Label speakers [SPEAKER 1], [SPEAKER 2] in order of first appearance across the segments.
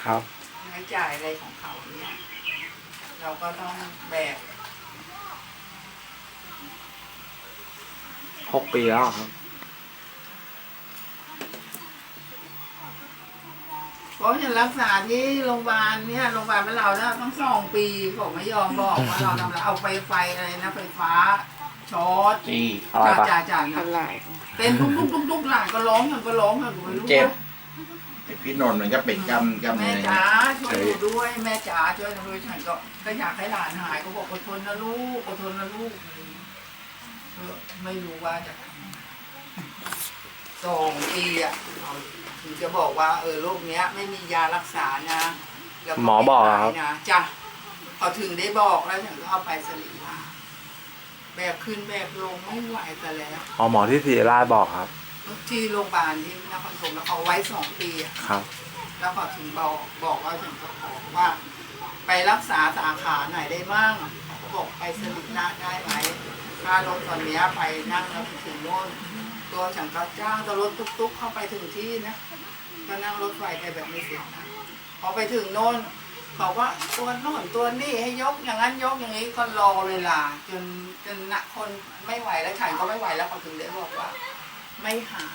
[SPEAKER 1] ครับ
[SPEAKER 2] ใช้จ่ายอะไรของเขาเนี่ยเราก็ต้องแบก
[SPEAKER 1] 6 ปีแล้วครับ
[SPEAKER 2] เพราะฉันรักษาที่โรงพยาบาลเนี่ยโรงพยาบาลเป็นเราเนี่ยต้อง2 ปีเขาไม่ยอมบอกว่าเราทำอะไรเอาไฟอะไรนะไฟฟ้าช็อต
[SPEAKER 1] อะไรปะ
[SPEAKER 2] จ่าๆ
[SPEAKER 3] อะ
[SPEAKER 2] นะ
[SPEAKER 3] ไร
[SPEAKER 2] เป็นทุกหลานก็ร้องกันก็ร้องกันไม่รู้
[SPEAKER 4] เจ็บ
[SPEAKER 2] ว่า
[SPEAKER 4] ไอ้พี่นนท์มันก็เป็นกำ
[SPEAKER 2] แม่
[SPEAKER 4] เนิด
[SPEAKER 2] จ๋าช่วยหนูด้วยแม่จ๋าช่วยหนูด้วยฉันก็อยากให้หลานหายก็บอกอดทนนะลูกอดทนนะลูกไม่รู้ว่าจะ2 ปีอ่ะถึงจะบอกว่าโรคเนี้ยไม่มียารักษานะแล้ว
[SPEAKER 1] หมอบอกครับ
[SPEAKER 2] ไม่หายนะจ้ะพอถึงได้บอกแล้วฉันก็เอาไปสลีลาแบกขึ้นแบกลงไม่ไหวแต่แล้ว
[SPEAKER 1] อ๋อหมอที่ศิริราชบอกครับ
[SPEAKER 2] ที่โรงพยาบาลที่นครปฐมแล้วเอาไว้2 ปีอะ
[SPEAKER 1] ครับ
[SPEAKER 2] แล้วพอถึงบอกว่าฉันก็ขอว่า ไปรักษาสาขาไหนได้บ้างเขาก็บอกไปสลินาได้ไหมค่ารถตอนเนี้ยไปนั่งแล้วถึงโน่นตัวฉันก็จ้างตัวรถตุ๊กๆเข้าไปถึงที่นะก็นั่งรถไฟไปแบบไม่เสียนะพอไปถึงโน่นเขาว่าตัวโน่นตัวนี่ให้ยกอย่างนั้นยกอย่างนี้ก็รอเวลาจนนักคนไม่ไหวแล้วฉันก็ไม่ไหวแล้วเขาถึงได้บอกว่า ไม่หาย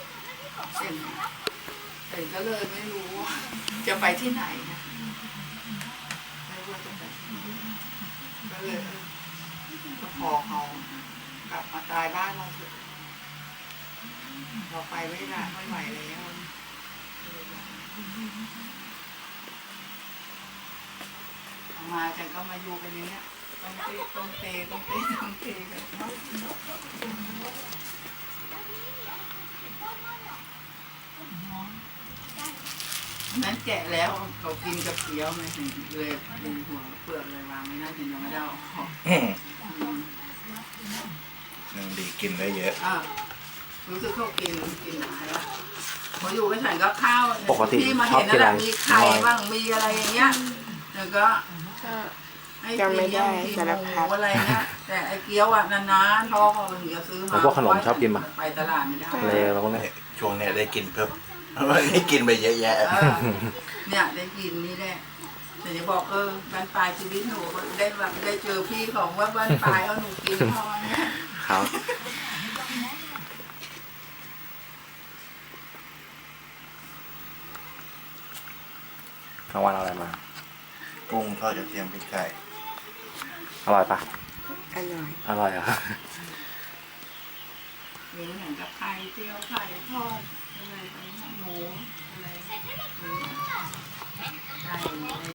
[SPEAKER 2] เห็นก็เลยไม่รู้ว่าจะไปที่ไหนนะไม่รู้ว่าจะไปที่ไหนก็เลยก็ขอเขากลับมาตายบ้านเราเถอะเราไปไม่ได้ไม่ไหวแล้วเอามาฉันก็มาอยู่กันอย่างเนี้ยต้องเตะกันนั้นแกะแล้วเขากินกับเกี๊ยวไงถึงเลยดึงหัวเปลือกเลยวางไม่น่าถึงยังไม่ได้เอาออก
[SPEAKER 4] ยังดีกินได้เยอะ
[SPEAKER 2] รู้สึกเขากินหนาแล้วพออยู่กับฉันก็ข้าว
[SPEAKER 1] ปกติ
[SPEAKER 2] ที่มาเห็นนั่นแหละ
[SPEAKER 1] ชอบกินอะไร
[SPEAKER 2] มีไข่บ้างมีอะไรอย่างเงี้ยแล้วก็
[SPEAKER 3] ก็
[SPEAKER 2] ให้
[SPEAKER 3] จำไม่ได้
[SPEAKER 2] กิน
[SPEAKER 3] สารพัด
[SPEAKER 2] อะไรเงี้ยแต่ไอ้เกี๊ยวอ่ะนานๆพ่อเขาถึงจะซื้อ
[SPEAKER 1] แล้
[SPEAKER 2] มาว
[SPEAKER 1] พวกขนมชอบกินปะ
[SPEAKER 2] ไปตลาดไม่ได้
[SPEAKER 1] เลแล้วก็เนี่ย
[SPEAKER 4] ช่วงเนี้ยได้กินเพิ่มวันนี้กินไปเยอะแยะ
[SPEAKER 2] เนี่ยได้กินนี่แหละแต่จะบอกบ้านปลายชีวิตหนูได้แบบได้เจอพี่ของว่าบ้านปลายเอาหนูกินพอเนี่ย
[SPEAKER 1] ครับกลางวันเอาอะไรมา
[SPEAKER 4] กุ้งทอดกระเทียมพริกไก่
[SPEAKER 1] อร่อยปะ
[SPEAKER 3] อร่อย
[SPEAKER 1] อร่อยเหรอ่ะ
[SPEAKER 2] มีเหมือนกับไข่เจียวไข่ทอดอะไรไปหมู